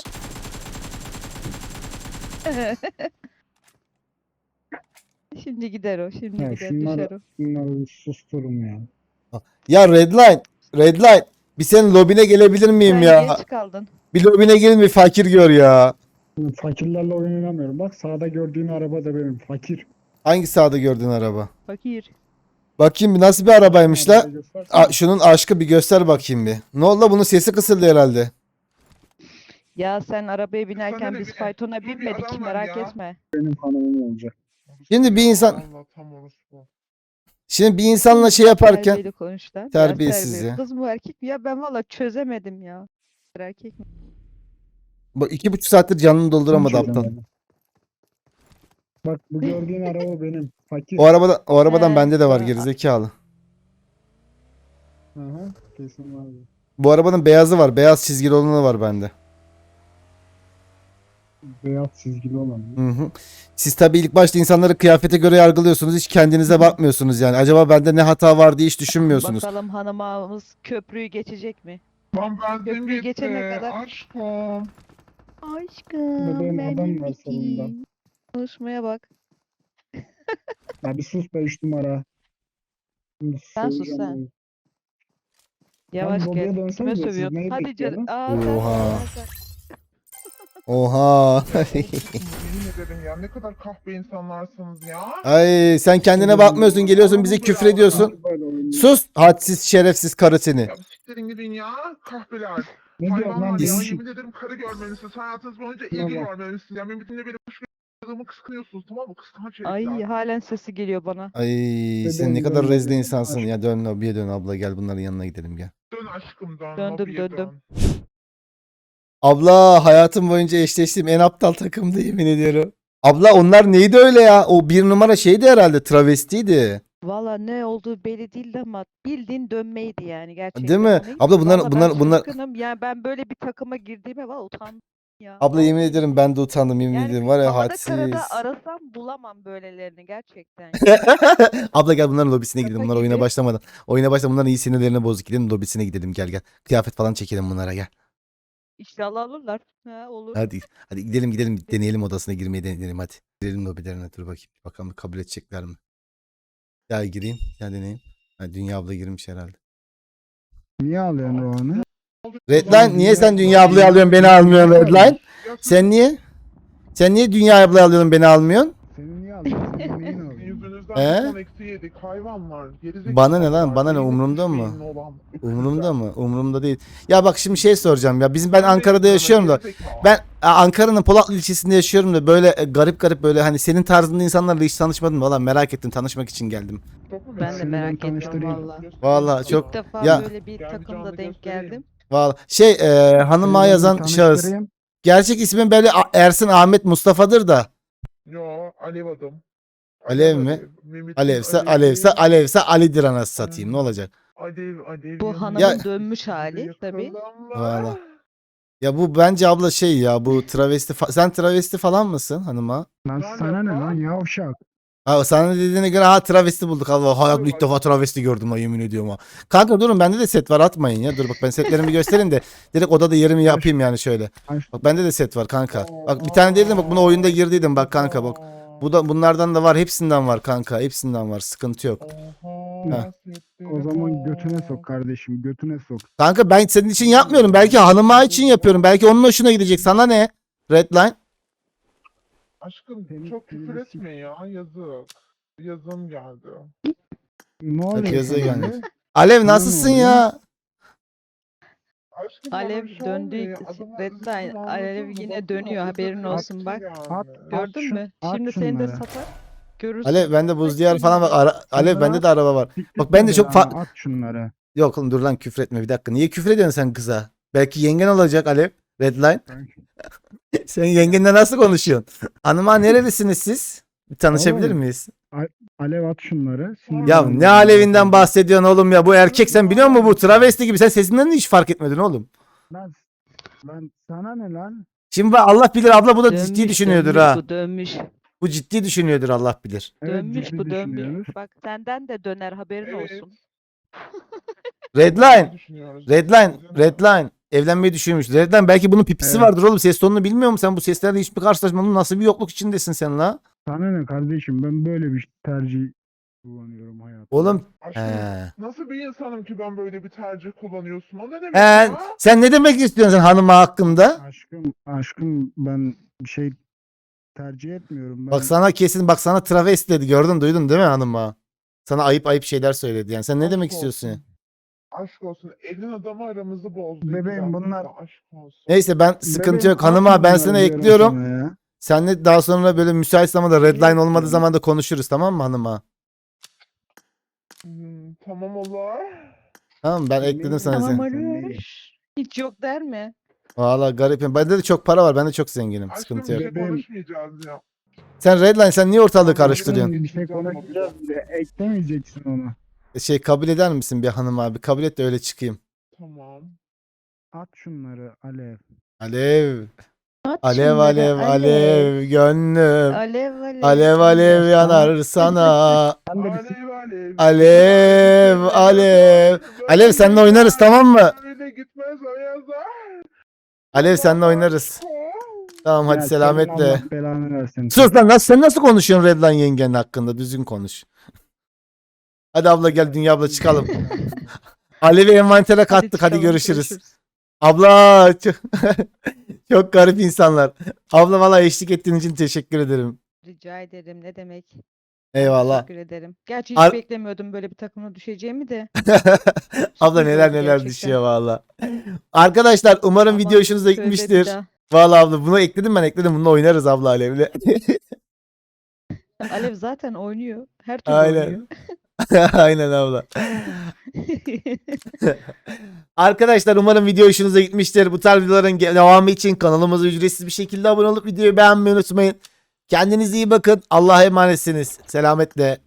Speaker 4: Şimdi gider o. Şimdi
Speaker 2: Ya
Speaker 4: gider
Speaker 2: şunları-
Speaker 4: düşer o.
Speaker 2: Bunları bir susturun ya.
Speaker 1: Ya Redline. Redline. Bir senin lobine gelebilir miyim
Speaker 4: Sen
Speaker 1: ya?
Speaker 4: geç kaldın.
Speaker 1: Bir lobine gelin bir fakir gör ya.
Speaker 2: Fakirlerle oyun oynamıyorum. Bak sağda gördüğün araba da benim. Fakir.
Speaker 1: Hangi sağda gördüğün araba?
Speaker 4: Fakir.
Speaker 1: Bakayım bir nasıl bir arabaymış la?
Speaker 2: Arabayı göstersene.
Speaker 1: Şunun aşkı bir göster bakayım bir. Ne oldu la bunun sesi kısıldı herhalde.
Speaker 4: Ya sen arabaya binerken
Speaker 3: Sana
Speaker 4: biz
Speaker 3: ne?
Speaker 4: faytona
Speaker 3: Dur bir
Speaker 4: binmedik
Speaker 3: adam var
Speaker 4: merak
Speaker 3: ya.
Speaker 4: etme.
Speaker 2: Benim hanımım olacak.
Speaker 1: Şimdi bir insan-
Speaker 3: Allah tam orospu.
Speaker 1: Şimdi bir insanla şey yaparken
Speaker 4: Terbiyeli konuş lan. Biraz
Speaker 1: terbiyesiz
Speaker 4: terbiyeli.
Speaker 1: ya.
Speaker 4: Kız mı erkek mi? Ya ben valla çözemedim ya. Erkek mi?
Speaker 1: Bu 2,5 saattir canını dolduramadı
Speaker 2: Hiç
Speaker 1: aptal.
Speaker 2: çözemedim. Bak bu gördüğün araba benim. Fakir.
Speaker 1: O arabadan
Speaker 4: He,
Speaker 1: bende de var
Speaker 4: ha,
Speaker 1: gerizekalı.
Speaker 2: Aha, kesin vardı.
Speaker 1: Bu arabanın beyazı var. Beyaz çizgili olanı var bende.
Speaker 2: Beyaz çizgili olan.
Speaker 1: Hı hı. Siz tabii ilk başta insanları kıyafete göre yargılıyorsunuz. Hiç kendinize bakmıyorsunuz yani. Acaba bende ne hata var diye hiç düşünmüyorsunuz.
Speaker 4: Bakalım hanımımız köprüyü geçecek mi?
Speaker 3: Lan benzin
Speaker 4: Köprüyü
Speaker 3: bitti.
Speaker 4: geçene kadar-
Speaker 3: Aşkım.
Speaker 4: Aşkım
Speaker 2: Bebeğim, adam
Speaker 4: benim
Speaker 2: var sonunda.
Speaker 4: iki. Konuşmaya bak.
Speaker 2: Ya bir sus be 3 numara. Şimdi
Speaker 4: Sen sus
Speaker 2: söveceğim
Speaker 4: sen.
Speaker 2: onu.
Speaker 4: Yavaş
Speaker 2: lobiye
Speaker 4: gel.
Speaker 2: dönsenize,
Speaker 4: Kime
Speaker 2: siz
Speaker 4: sövüyorsun?
Speaker 2: neyi
Speaker 4: Hadi canım.
Speaker 2: bekliyorsunuz?
Speaker 1: Oha. Oha.
Speaker 3: Yemin ederim ya ne kadar kahpe insanlarsınız ya.
Speaker 1: Ay sen kendine bakmıyorsun. Geliyorsun bize küfür ediyorsun.
Speaker 2: Böyle oynuyor.
Speaker 1: Sus hadsiz şerefsiz karı seni.
Speaker 3: Ya siktirin gidin ya kahpeler.
Speaker 2: Ne diyorsun lan
Speaker 3: Hayvanlar ya
Speaker 2: değişik.
Speaker 3: yemin ederim karı görmelisiniz. Hayatınız boyunca
Speaker 2: Şuna
Speaker 3: ilgi
Speaker 2: bak.
Speaker 3: görmelisiniz. Yani mümkünle benim kuşkularımı kıskanıyorsunuz tamam mı? Kıskanç
Speaker 4: Ay
Speaker 3: herifler.
Speaker 4: halen sesi geliyor bana.
Speaker 1: Ay sen ne
Speaker 2: Bebeğim,
Speaker 1: kadar
Speaker 2: dön
Speaker 1: rezil
Speaker 2: bebeğim.
Speaker 1: insansın
Speaker 2: Aşk.
Speaker 1: ya. Dön lobiye dön abla gel bunların yanına gidelim gel.
Speaker 3: Dön aşkım dön.
Speaker 4: Döndüm,
Speaker 3: lobiye
Speaker 4: döndüm.
Speaker 3: dön.
Speaker 1: Abla hayatım boyunca eşleştiğim en aptal takımdı yemin ediyorum. Abla onlar neydi öyle ya? O bir numara şeydi herhalde travestiydi.
Speaker 4: Valla ne olduğu belli değildi ama bildiğin dönmeydi yani gerçekten.
Speaker 1: Değil mi?
Speaker 4: Hani
Speaker 1: Abla
Speaker 4: valla
Speaker 1: bunlar
Speaker 4: ben şaşkınım. Yani ben böyle bir takıma girdiğime valla utandım ya.
Speaker 1: abla yemin
Speaker 4: Vallahi.
Speaker 1: ederim ben de utandım yemin
Speaker 4: Yani
Speaker 1: ederim var ya
Speaker 4: havada
Speaker 1: hadsiz.
Speaker 4: karada arasam bulamam böylelerini gerçekten.
Speaker 1: Abla gel bunların lobisine
Speaker 4: Şaka
Speaker 1: gidelim. Bunlar oyuna
Speaker 4: gibi.
Speaker 1: başlamadan. Oyuna başlamadan bunların iyi sinirlerine bozuk gidelim lobisine gidelim gel gel. Kıyafet falan çekelim bunlara gel.
Speaker 4: İnşallah alırlar. Ha, olur.
Speaker 1: Hadi gidelim deneyelim odasına girmeyi deneyelim hadi. Girelim lobilerine dur bakayım. Bakalım kabul edecekler mi? Ya gireyim ya deneyeyim. Ha, Dünya abla girmiş herhalde.
Speaker 2: Niye alıyorsun Rohan'ı?
Speaker 1: Redline niye sen Dünya ablayı alıyorsun beni almıyorsun Redline?
Speaker 3: Ya
Speaker 1: Sen niye? Sen niye Dünya ablayı alıyorsun beni almıyorsun?
Speaker 2: Seni niye alıyorsun? Senin neyin
Speaker 3: sizin
Speaker 2: oluyor?
Speaker 3: yüzünüzden
Speaker 1: He?
Speaker 3: bir ton eksi yedik hayvanlar. Gerizekalılar.
Speaker 1: Bana ne lan? Bana ne?
Speaker 3: Benim
Speaker 1: Umurumda mı?
Speaker 3: hiçbir şeyin olan
Speaker 1: Umurumda
Speaker 3: öküzler.
Speaker 1: mı? Umurumda değil. Ya bak şimdi şey soracağım ya. Ben Ankara'da
Speaker 3: de
Speaker 1: yaşıyorum da.
Speaker 3: gerizekalı.
Speaker 1: Ben Ankara'nın Polatlı ilçesinde yaşıyorum da böyle garip garip böyle hani senin tarzında insanlarla hiç tanışmadım. Valla merak ettim tanışmak için geldim.
Speaker 4: Ben de
Speaker 2: Seni
Speaker 4: merak ettim
Speaker 2: tanıştırayım.
Speaker 4: valla.
Speaker 1: Vallahi çok-
Speaker 4: İlk defa
Speaker 1: Ya-
Speaker 4: böyle bir
Speaker 3: Gel bir
Speaker 4: takımda
Speaker 3: canlı
Speaker 4: denk
Speaker 3: göstereyim.
Speaker 4: geldim.
Speaker 1: Valla hanıma
Speaker 2: Seni
Speaker 1: yazan
Speaker 2: ben
Speaker 1: şahıs.
Speaker 2: tanıştırayım.
Speaker 1: Gerçek ismin böyle Ersin Ahmet Mustafa'dır da.
Speaker 3: Yo Alev adım.
Speaker 1: Alev mi?
Speaker 3: Mehmet'in
Speaker 1: Alevse
Speaker 3: Alevi.
Speaker 1: Alevse Ali'dir anasını satayım ne olacak?
Speaker 3: Alev
Speaker 4: Bu
Speaker 3: yanıyor.
Speaker 4: hanımın dönmüş hali tabii.
Speaker 3: Yakalanma.
Speaker 1: Valla. Ya bu bence abla şey ya bu travesti sen travesti falan mısın hanıma?
Speaker 2: Lan
Speaker 3: Lan
Speaker 2: sana ne
Speaker 3: yapma.
Speaker 2: lan yavşak?
Speaker 1: Ha, sana dediğine göre ha travesti bulduk. Allah hayatımda ilk defa travesti gördüm ha yemin ediyorum ha. Kanka durun bende de set var atmayın ya. Dur bak ben setlerimi göstereyim de direkt odada yerimi yapayım yani şöyle.
Speaker 2: Aş-
Speaker 1: Bak bende de set var kanka. Bak bir tane değildim bak bunu oyunda girdiydim bak kanka bak. Bunlardan da var hepsinden var kanka hepsinden var sıkıntı yok. Ha.
Speaker 2: O zaman götüne sok kardeşim, götüne sok.
Speaker 1: Kanka ben senin için yapmıyorum belki hanıma için yapıyorum. Belki onun hoşuna gidecek sana ne? Redline.
Speaker 3: Aşkım
Speaker 2: Senin-
Speaker 3: çok
Speaker 2: senin
Speaker 3: küfür
Speaker 2: de-
Speaker 3: etme ya yazık. Yazım geldi.
Speaker 2: Ne
Speaker 1: Hadi
Speaker 2: oluyor
Speaker 1: yazı
Speaker 2: sana?
Speaker 1: gelmiş. Alev nasılsın
Speaker 2: oluyor?
Speaker 1: ya?
Speaker 3: Aşkım bana
Speaker 4: Alev
Speaker 3: bir şey
Speaker 4: döndü.
Speaker 3: olmuyor. Adamın
Speaker 4: Redline.
Speaker 3: rızkını
Speaker 4: Alev
Speaker 3: anladın mı?
Speaker 4: yine
Speaker 3: Baksana,
Speaker 4: dönüyor,
Speaker 3: orada
Speaker 4: haberin
Speaker 3: bir
Speaker 4: olsun
Speaker 3: aksi
Speaker 4: bak.
Speaker 3: yani.
Speaker 2: At-
Speaker 4: Gördün mü?
Speaker 2: at
Speaker 4: Şimdi seni de
Speaker 2: şunları.
Speaker 4: satar. Görürsün.
Speaker 1: Alev bende buz diyar falan bak. Alev
Speaker 2: Şunları
Speaker 1: bende de araba var.
Speaker 2: Siktir
Speaker 1: Bak ben de çok
Speaker 2: belanı, At şunları.
Speaker 1: Yok oğlum dur lan küfür etme bir dakika. Niye küfür ediyorsun sen kıza? Belki yengen olacak Alev. Redline. Sen yengenle nasıl konuşuyorsun? Hanıma nerelisiniz siz? Bir tanışabilir
Speaker 2: Oğlum,
Speaker 1: miyiz?
Speaker 2: Alev at şunları.
Speaker 1: Ya
Speaker 2: sinirlendim.
Speaker 1: ne Alev'inden bahsediyorsun oğlum ya? Bu erkek sen biliyor musun bu travesti gibi? Sen sesinden de hiç fark etmedin oğlum.
Speaker 2: Lan sana ne lan?
Speaker 1: Şimdi bak Allah bilir abla bu da ciddi
Speaker 4: Dönmüş,
Speaker 1: düşünüyordur
Speaker 4: dönmüş
Speaker 1: ha.
Speaker 4: Bu dönmüş.
Speaker 1: Bu ciddi düşünüyordur Allah bilir.
Speaker 2: Evet,
Speaker 4: Dönmüş
Speaker 2: ciddi
Speaker 4: bu dönmüş.
Speaker 2: düşünüyoruz.
Speaker 4: Bak senden de döner haberin
Speaker 3: Evet.
Speaker 4: olsun.
Speaker 1: Redline.
Speaker 3: Düşünüyoruz.
Speaker 1: Redline. Evlenmeyi düşünmüş. Redline belki bunun pipisi
Speaker 2: Evet.
Speaker 1: vardır oğlum. Ses tonunu bilmiyor musun? Sen bu seslerle hiçbir karşılaşmadın. Nasıl bir yokluk içindesin sen la?
Speaker 2: Sana ne kardeşim? Ben böyle bir tercih kullanıyorum hayatımda.
Speaker 1: Oğlum.
Speaker 3: Aşkım
Speaker 1: He.
Speaker 3: nasıl bir insanım ki ben böyle bir tercih kullanıyorsun? O ne demek
Speaker 1: He,
Speaker 3: ya?
Speaker 1: sen ne demek istiyorsun sen hanıma hakkında?
Speaker 2: Aşkım ben bir şey tercih etmiyorum. Ben
Speaker 1: Bak sana kesin bak sana travesti dedi. Gördün duydun değil mi hanıma? Sana ayıp şeyler söyledi yani. Sen ne
Speaker 3: Aşk
Speaker 1: demek
Speaker 3: olsun.
Speaker 1: istiyorsun ya?
Speaker 3: Aşk olsun. Elin adamı aramızı bozdu.
Speaker 2: Bebeğim,
Speaker 3: İki
Speaker 2: bunlar-
Speaker 3: dakika, Aşk olsun.
Speaker 1: Neyse ben sıkıntı
Speaker 2: Bebeğim,
Speaker 1: yok. Hanıma ben
Speaker 2: atma
Speaker 1: sana
Speaker 2: bunları diyorum
Speaker 1: ekliyorum.
Speaker 2: sana ya.
Speaker 1: Seninle daha sonra böyle müsait zamanda redline olmadığı
Speaker 3: Ekliyorum.
Speaker 1: zaman da konuşuruz tamam mı hanıma?
Speaker 3: Tamam olur.
Speaker 1: Tamam ben ekledim sana
Speaker 4: Tamam
Speaker 1: seni.
Speaker 4: olur. Hiç yok der mi?
Speaker 1: Valla garipim. Bende de çok para var. Ben de çok zenginim.
Speaker 3: Aşkım
Speaker 1: Sıkıntı
Speaker 3: bir
Speaker 1: yok.
Speaker 3: şey
Speaker 2: Bebeğim.
Speaker 3: konuşmayacağız ya.
Speaker 1: Sen Redline sen niye ortalığı
Speaker 3: Tamam,
Speaker 1: karıştırıyorsun?
Speaker 2: Bir şey konuşacağız bile. Eklemeyeceksin onu.
Speaker 1: Kabul eder misin bir hanım abi? Kabul et de öyle çıkayım.
Speaker 3: Tamam.
Speaker 2: At şunları Alev.
Speaker 1: Alev.
Speaker 4: At
Speaker 1: Alev
Speaker 4: şunları,
Speaker 1: alev alev gönlüm.
Speaker 4: Alev alev.
Speaker 1: Alev alev yanar sana.
Speaker 2: Sen de bir
Speaker 3: Alev alev.
Speaker 1: Alev alev. Alev seninle oynarız tamam mı?
Speaker 3: Böyle gitmez o yazar.
Speaker 1: Alev seninle oynarız. Tamam hadi
Speaker 2: Ya,
Speaker 1: selametle.
Speaker 2: senin Allah belanı versin.
Speaker 1: Sus lan sen nasıl konuşuyorsun Redline yengenin hakkında? Düzgün konuş. Hadi abla gel Dünya abla çıkalım. Alev'i envantere kattık hadi
Speaker 4: çıkalım,
Speaker 1: görüşürüz. Abla çok, çok garip insanlar. Abla valla eşlik ettiğin için teşekkür ederim.
Speaker 4: Rica ederim, ne demek.
Speaker 1: Eyvallah.
Speaker 4: Teşekkür ederim. Gerçi hiç
Speaker 1: Ar-
Speaker 4: beklemiyordum böyle bir takıma düşeceğimi de.
Speaker 1: Abla
Speaker 4: Sürpriz
Speaker 1: neler
Speaker 4: oldu
Speaker 1: neler
Speaker 4: gerçekten.
Speaker 1: düşüyor valla. Arkadaşlar umarım
Speaker 4: Aman,
Speaker 1: video hoşunuza
Speaker 4: tövbe
Speaker 1: gitmiştir.
Speaker 4: bir daha.
Speaker 1: Valla abla bunu ekledim ben ekledim. Bununla oynarız abla Alev'le.
Speaker 4: Alev zaten oynuyor. Her türlü
Speaker 1: Aynen.
Speaker 4: oynuyor.
Speaker 1: Aynen abla. Arkadaşlar umarım video hoşunuza gitmiştir. Bu tarz videoların devamı için kanalımıza ücretsiz bir şekilde abone olup videoyu beğenmeyi unutmayın. Kendinize iyi bakın. Allah'a emanetsiniz. Selametle.